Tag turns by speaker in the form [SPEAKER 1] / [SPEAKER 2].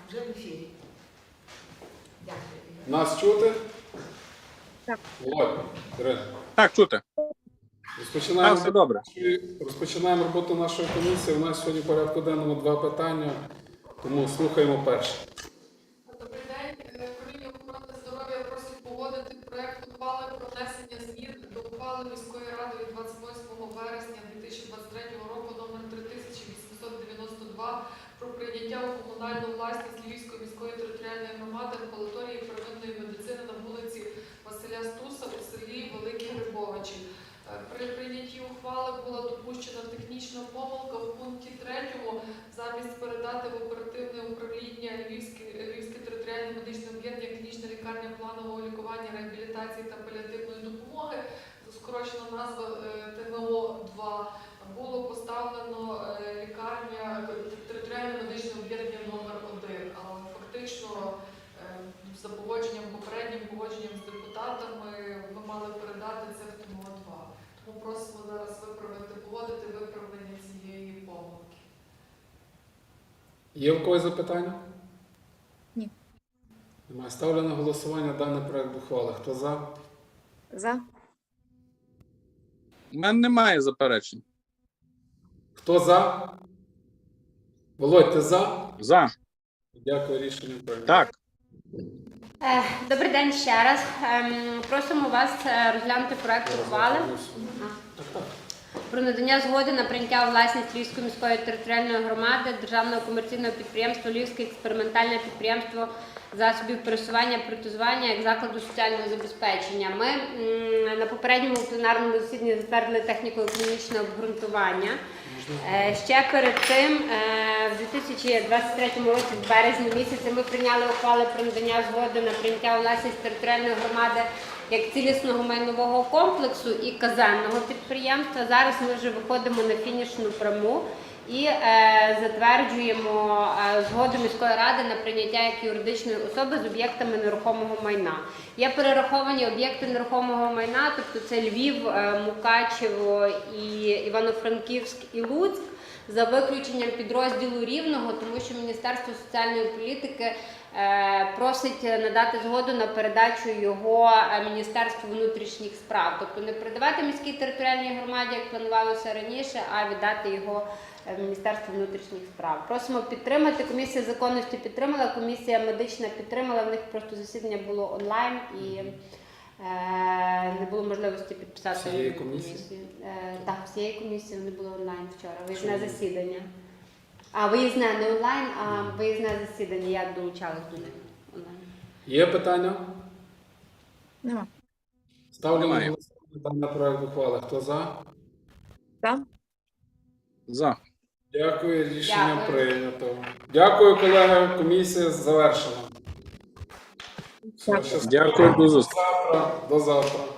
[SPEAKER 1] вже в ефірі. Дякую.
[SPEAKER 2] Нас чути?
[SPEAKER 3] Так.
[SPEAKER 2] Володь, Ірина.
[SPEAKER 4] Так, чути. Все добре.
[SPEAKER 2] Розпочинаємо роботу нашої комісії. У нас сьогодні в порядку денному 2 питання, тому слухаємо перше.
[SPEAKER 5] Добрий день. Управління охорони здоров'я просить погодити проект ухвали про внесення змін до ухвали міської ради від 28 вересня 2023 року номер 3892 про прийняття у комунальну власність Львівської міської територіальної громади амбулаторії первинної медицини на вулиці Василя Стуса у селі Великі Грибовичі. При прийнятті ухвали була допущена технічна помилка в пункті 3. Замість передати в оперативне управління Львівське територіальне медичне об'єднання клінічна лікарня планового лікування, реабілітації та паліативної допомоги, скорочена назва ТМО-2, було поставлено лікарня територіальне медичне об'єднання номер 1. Але фактично за попереднім погодженням з депутатами ми мали передати це в ТМО-2. Тому просимо зараз погодити виправлення цієї помилки.
[SPEAKER 2] Є в когось запитання?
[SPEAKER 3] Ні.
[SPEAKER 2] Немає. Ставлю на голосування даний проект ухвали. Хто за?
[SPEAKER 3] За.
[SPEAKER 4] У мене немає заперечень.
[SPEAKER 2] Хто за? Володь, ти за?
[SPEAKER 4] За.
[SPEAKER 2] Дякую, рішення прийнято.
[SPEAKER 4] Так.
[SPEAKER 6] Добрий день ще раз. Просимо вас розглянути проект ухвали про надання згоди на прийняття у власність Львівської міської територіальної громади Державного комерційного підприємства Львівське експериментальне підприємство засобів пересування, протезування як закладу соціального забезпечення. Ми на попередньому пленарному засіданні затвердили техніко-економічне обґрунтування. Ще перед цим, в 2023 році, в березні місяці, ми прийняли ухвали про надання згоди на прийняття у власність територіальної громади як цілісного майнового комплексу і казенного підприємства. Зараз ми вже виходимо на фінішну пряму і затверджуємо згоду міської ради на прийняття як юридичної особи з об'єктами нерухомого майна. Є перераховані об'єкти нерухомого майна, тобто це Львів, Мукачево, і Івано-Франківськ і Луцьк, за виключенням підрозділу Рівного, тому що Міністерство соціальної політики просить надати згоду на передачу його Міністерству внутрішніх справ. Тобто не передавати міській територіальній громаді, як планувалося раніше, а віддати його Міністерству внутрішніх справ. Просимо підтримати. Комісія законності підтримала, комісія медична підтримала, в них просто засідання було онлайн і не було можливості підписати
[SPEAKER 2] Всієї комісії?
[SPEAKER 6] Так, всієї комісії вони були онлайн вчора, виїзне засідання. А виїзне не онлайн, а виїзне засідання. Я долучалась до них онлайн.
[SPEAKER 2] Є питання?
[SPEAKER 3] Нема.
[SPEAKER 2] Ставлю на
[SPEAKER 4] Немає.
[SPEAKER 2] голосування даний проект ухвали. Хто за?
[SPEAKER 3] За.
[SPEAKER 4] За.
[SPEAKER 2] Дякую, рішення
[SPEAKER 6] Дякую.
[SPEAKER 2] прийнято. Дякую, колеги. Комісія завершена.
[SPEAKER 3] Так.
[SPEAKER 2] Все, щасливо.
[SPEAKER 4] Дякую, до зустрічі.
[SPEAKER 2] До завтра.